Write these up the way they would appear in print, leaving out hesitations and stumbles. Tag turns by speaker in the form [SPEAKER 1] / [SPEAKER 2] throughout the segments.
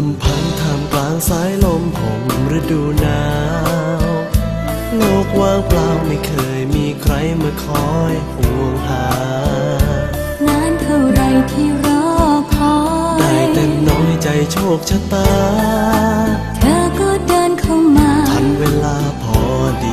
[SPEAKER 1] ำพันท่ามกลางสายลมห่มฤดูหนาวโลกว่างเปล่าไม่เคยมีใครมาคอยห่วงหาน
[SPEAKER 2] านเท่าไรที่รอคอย
[SPEAKER 1] ได้แต่น้อยใจโชคชะตา
[SPEAKER 2] เธอก็เดินเข้ามา
[SPEAKER 1] ทันเวลาพอดี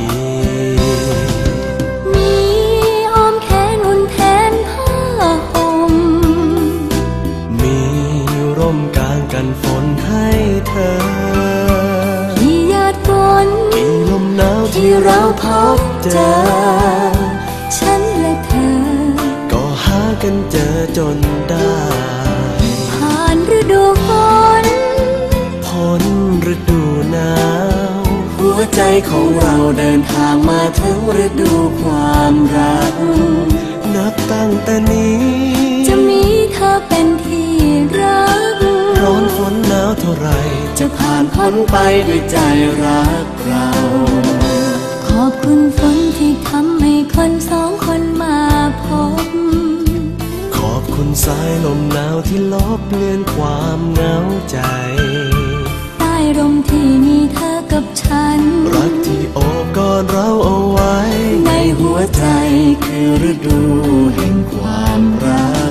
[SPEAKER 2] มีอ้อมแขนอุ่นแทนผ้าห่ม
[SPEAKER 1] มีร่มกางกันฝนให้เธอ
[SPEAKER 2] กี่หยาดฝน
[SPEAKER 1] กี่ลมหนาวที่เราพบเจอ
[SPEAKER 2] ฉันและเธอ
[SPEAKER 1] ก็หากันเจอจนได้
[SPEAKER 2] ผ่านฤดูฝน
[SPEAKER 1] พ้นฤดูหนาวหัวใจของเราเดินทางมาถึงฤดูความรักนับตั้งแต่นี้
[SPEAKER 2] จะมีเธอเป็นที่รัก
[SPEAKER 1] ร้อนฝนหนาวเท่าไรจะผ่านพ้นไปด้วยใจรักเรา
[SPEAKER 2] ขอบคุณฝนที่ทำให้คนสองคนมาพบ
[SPEAKER 1] ขอบคุณสายลมหนาวที่ลบเลือนความเหงาใจ
[SPEAKER 2] ใต้ร่มที่มีเธอกับฉัน
[SPEAKER 1] รักที่โอบกอดเราเอาไว้ในหัวใจคือฤดูแห่งความรัก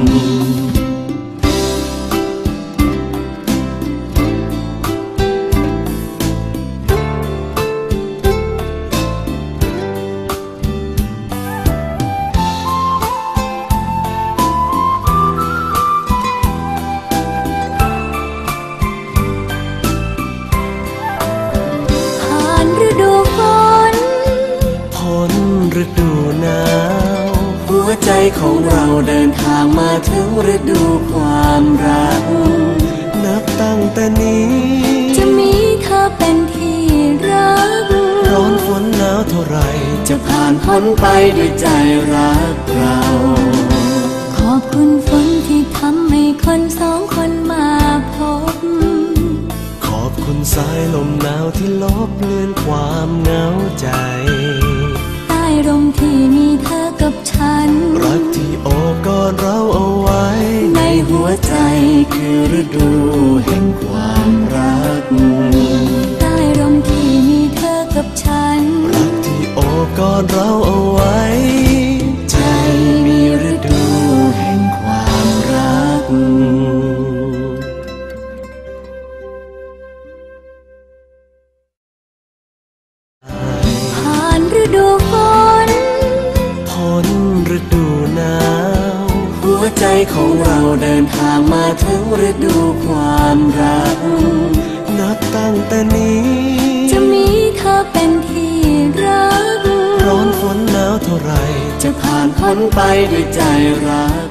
[SPEAKER 1] ฤดูหนาวหัวใจของเราเดินทางมาถึงฤดูความรักนับตั้งแต่นี้
[SPEAKER 2] จะมีเธอเป็นที่รัก
[SPEAKER 1] ร้อนฝนหนาวเท่าไรจะผ่านพ้นไปด้วยใจรักเรา
[SPEAKER 2] ขอบคุณฝนที่ทำให้คนสองคนมาพบ
[SPEAKER 1] ขอบคุณสายลมหนาวที่ลบเลือนความเหงาใจ
[SPEAKER 2] ร่มที่มีเธอกับฉัน
[SPEAKER 1] รักที่โอบกอดเราเอาไว้ในหัวใจคือฤดูแห่งความรัก
[SPEAKER 2] ใต้ร่มที่มีเธอกับฉัน
[SPEAKER 1] รักที่โอบกอดเราเอาไว้ใจมีฤดูแห่งความรัก
[SPEAKER 2] ผ่านฤดูฝน
[SPEAKER 1] พ้นฤดูหนาวหัวใจของเราเดินทางมาถึงฤดูความรักนับตั้งแต่นี้
[SPEAKER 2] จะมีเธอเป็นที่รัก
[SPEAKER 1] ร้อนฝนหนาวเท่าไรจะผ่านพ้นไปด้วยใจรัก